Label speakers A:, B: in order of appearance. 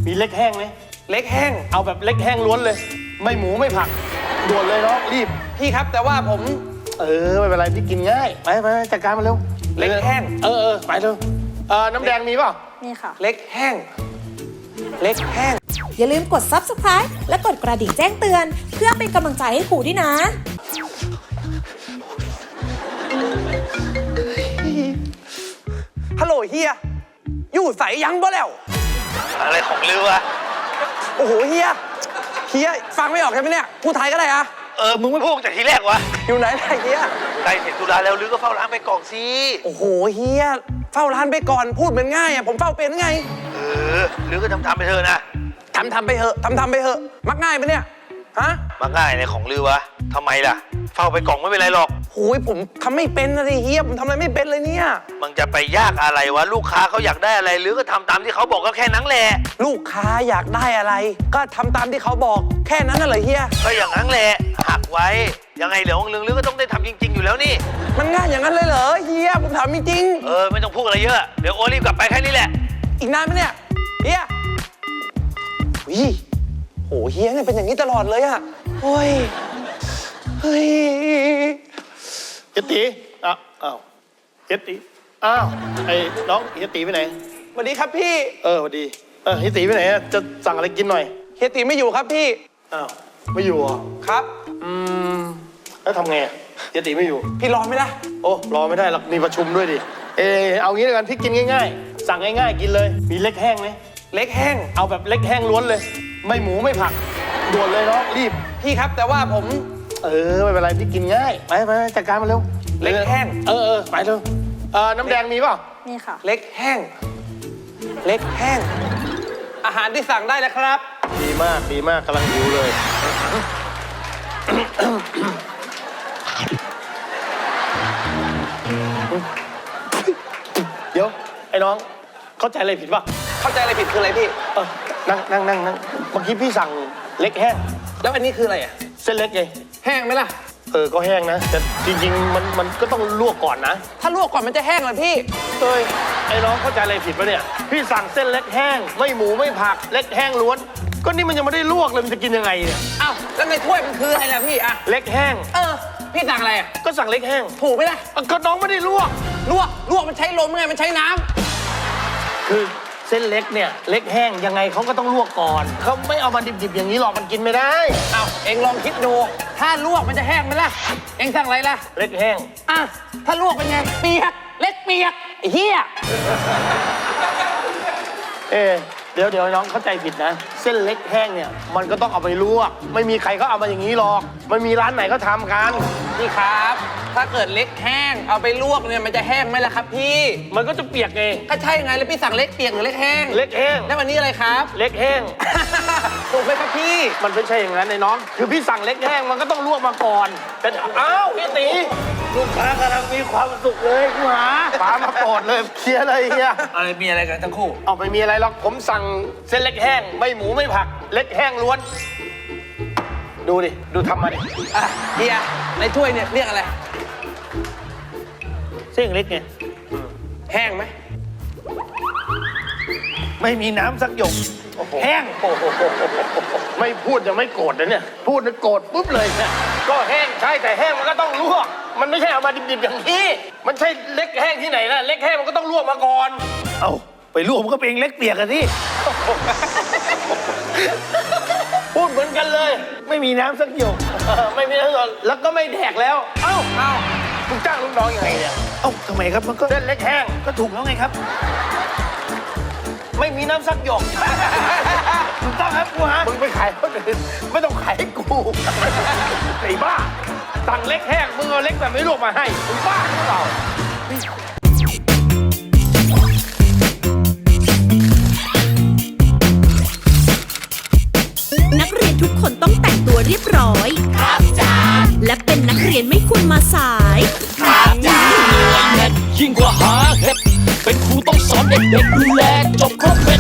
A: มีเล็กแห้งไหม
B: เล็กแห้ง
A: เอาแบบเล็กแห้งล้วนเลยไม่หมูไม่ผักด่วนเลยเนาะรีบ
B: พี่ครับแต่ว่าผม
A: ไม่เป็นไรพี่กินง่ายไปจัดการมาเร็ว
B: เล็กแห้ง
A: ไปเร็วน้ำแดงมีเปล่า
C: มีค่ะ
B: เล็กแห้งเล็กแห้ง
C: อย่าลืมกด Subscribe และกดกระดิ่งแจ้งเตือนเพื่อเป็นกำลังใจให้ครูด้วยนะ
B: ฮัลโหลเฮียอยู่ใส่ยังบ่แล้ว
D: อะไรของลือวะ
B: โอ้โหเฮียฟังไม่ออกใช่ไหมเนี่ยพูดไทยก็ได้อะ
D: มึงไม่พูดจากทีแรกวะ
B: อยู่ไหนล่ะเฮีย
D: ใกล้เสร็จธุระแล้วลือก็เฝ้าร้านไปก่อนสิ
B: โอ้โหเฮียเฝ้าร้านไปก่อนพูดเป็นง่ายอะผมเฝ้าเป็นไง
D: ลือก็ทำไปเถอะนะ
B: ทำไปเถอะทำไปเถอะมักง่ายไหมเนี่ยฮะ
D: มักง่ายในของลือวะทำไมล่ะเฝ้าไปกล่องไม่เป็นไรหรอก
B: โอ้ยผมทำไม่เป็นนะดิเฮียผมทำอะไรไม่เป็นเลยเนี่ย
D: มันจะไปยากอะไรวะลูกค้าเขาอยากได้อะไรลือก็ทำตามที่เขาบอกก็แค่นั้นแหละ
B: ลูกค้าอยากได้อะไรก็ทำตามที่เขาบอกแค่นั้นน่ะเหรอเฮีย
D: ก็อย่างนั้นแหละหักไว้ยังไงเหลือของลือก็ต้องได้ทำจริงๆอยู่แล้วนี่
B: มันง่ายอย่างนั้นเลยเหรอเฮียผมถามจริง
D: ไม่ต้องพูดอะไรเยอะเดี๋ยวโอรีบกลับไปแค่นี้แหละ
B: อีกนานไหมเนี่ยเฮียโหเฮียเนี่ยเป็นอย่างนี้ตลอดเลยอะโอ้ยเฮ้ย
A: เฮียตีอ้าวเฮียตีอ้าวไอ้น้องเฮียตีไปไหน
B: สวัสดีครับพี่
A: สวัสดีเฮียตีไปไหนจะสั่งอะไรกินหน่อย
B: เฮียตีไม่อยู่ครับพี่
A: อ้าวไม่อยู่อ่ะ
B: ครับ
A: แล้วทำไงเฮียตีไม่อยู่
B: พี่รอไม่ได้
A: โอ้รอไม่ได้หรอกมีประชุมด้วยดิเอางี้แล้วกันพี่กินง่ายๆสั่งง่ายๆกินเลยมีเล็กแห้งไหม
B: เล็กแห้ง
A: เอาแบบเล็กแห้งล้วนเลยไม่หมูไม่ผักด่วนเลยเนาะรีบ
B: พี่ครับแต่ว่าผม
A: ไม่เป็นไรพี่กินง่ายไปจัดการมาเร็ว
B: เล็กแห้ง
A: ไปเร็วน้ำแดงมีเปล่า
C: มีค่ะ
B: เล็กแห้งอาหารที่สั่งได้แล้วครับ
A: ดีมากกำลังหิวเลยเดี๋ยวไอ้น้องเข้าใจอะไรผิดป่ะ
B: เข้าใจอะไรผิดคืออะไรพี่
A: นั่งเมื่อกี้พี่สั่งเล็กแห้ง
B: แล้วอันนี้คืออะไรอ่ะ
A: เส้นเล็กไง
B: แห้งไหมล่ะ
A: ก็แห้งนะแต่จริงๆมันก็ต้องลวกก่อนนะ
B: ถ้าลวกก่อนมันจะแห้งเหรอพี่
A: ไอ้น้องเข้าใจอะไรผิดปะเนี่ยพี่สั่งเส้นเล็กแห้งไม่หมูไม่ผักเล็กแห้งล้วนก็นี่มันยังไม่ได้ลวกเลยมันจะกินยังไงเนี่ย
B: อ้าวแล้วในถ้วยมันคืออะไรล่ะพี่อะ
A: เล็กแห้ง
B: พี่สั่งอะไรอ่ะ
A: ก็สั่งเล็กแห้ง
B: ถูกไหมล่ะ
A: ก็น้องไม่ได้ลวก
B: มันใช้ลมไงมันใช้น้ำ
A: คือเส้นเล็กเนี่ยเล็กแห้งยังไงเขาก็ต้องลวกก่อนเขาไม่เอามาดิบๆอย่างนี้หรอกมันกินไม่ได้
B: เอ็งลองคิดดูถ้าลวกมันจะแห้งไหมล่ะเอ็งสั่งอะไรล่ะ
A: เล็กแห้ง
B: ถ้าลวกเป็นไงเปียกเล็กเปียกไอ้เหี้ย
A: เดี๋ยวน้องเข้าใจผิดนะเส้นเล็กแห้งเนี่ยมันก็ต้องเอาไปลวกไม่มีใครเขาเอามาอย่างนี้หรอกไม่มีร้านไหนเขาทำกัน
B: พี่ครับถ้าเกิดเล็กแห้งเอาไปลวกเนี่ยมันจะแห้งไหมล่ะครับพี่
A: มันก็จะเปียกไง
B: ก็ใช่ไงแล้วพี่สั่งเล็กเปียกหรือเล็กแห้ง
A: เล็กแห้ง
B: แล้ววันนี้อะไรครับ
A: เล็กแห้ง
B: ถูกไหมครับพี่
A: มันไม่ใช่อย่างนั้นไอ้น้องคือพี่สั่งเล็กแห้งมันก็ต้องลวกมาก่อนแต่พี่ตีลูกค้ากำลังมีความสุขเลยกูหาป๋ามาโกรธเลยเคลียร์เลยเฮีย
B: อะไรมีอะไรกันทั้งคู่
A: ไม่มีอะไรหรอกผมสั่งเส้นเล็กแห้งไม่หมูไม่ผักเล็กแห้งล้วนดูทำมาดิ
B: เฮียในถ้วยเนี่ยเรียกอะไร
A: เส้นเล็กไง
B: แห้งไหม
A: ไม่มีน้ำสักหยดแห้งไม่พูดยังไม่โกรธเลยเนี่ยพูดแล้วโกรธปุ๊บเลยเนี่ยก็แห้งใช่แต่แห้งมันก็ต้องลวกมันไม่ใช่เอามาดิบๆอย่างนี้มันใช่เล็กแห้งที่ไหนนะเล็กแห้งมันก็ต้องลวกมาก่อนไปลวกมันก็เป็นเล็กเปียกกันที่พูดเหมือนกันเลยไม่มีน้ำสักหยดไม่มีน้ำสักแล้วก็ไม่แดกแล้วคุณจ้างลูกน้องยังไงเนี่ย
D: ทำไมครับมันก็
A: เส้นเล็กแห้ง
D: ก็ถูกแล้วไงครับ
A: ไม่มีน้ำสักหยดถูกต้องครับกูฮะมึงไปขายคนอื่นไม่ต้องขายให้กูไอ้บ้าสั่งเล็กแห้งมึงเอาเล็กแบบไม่ลวกมาให้มึงบ้าหรือเปล่า
E: นักเรียนทุกคนต้องแต่งตัวเรียบร้อยครับจ้าและเป็นนักเรียนไม่ควรมาสายครับจ้า
F: ยิ่งกว่าหาเห็ดเป็นครูต้องสอนเด็กๆดูแลจบครบ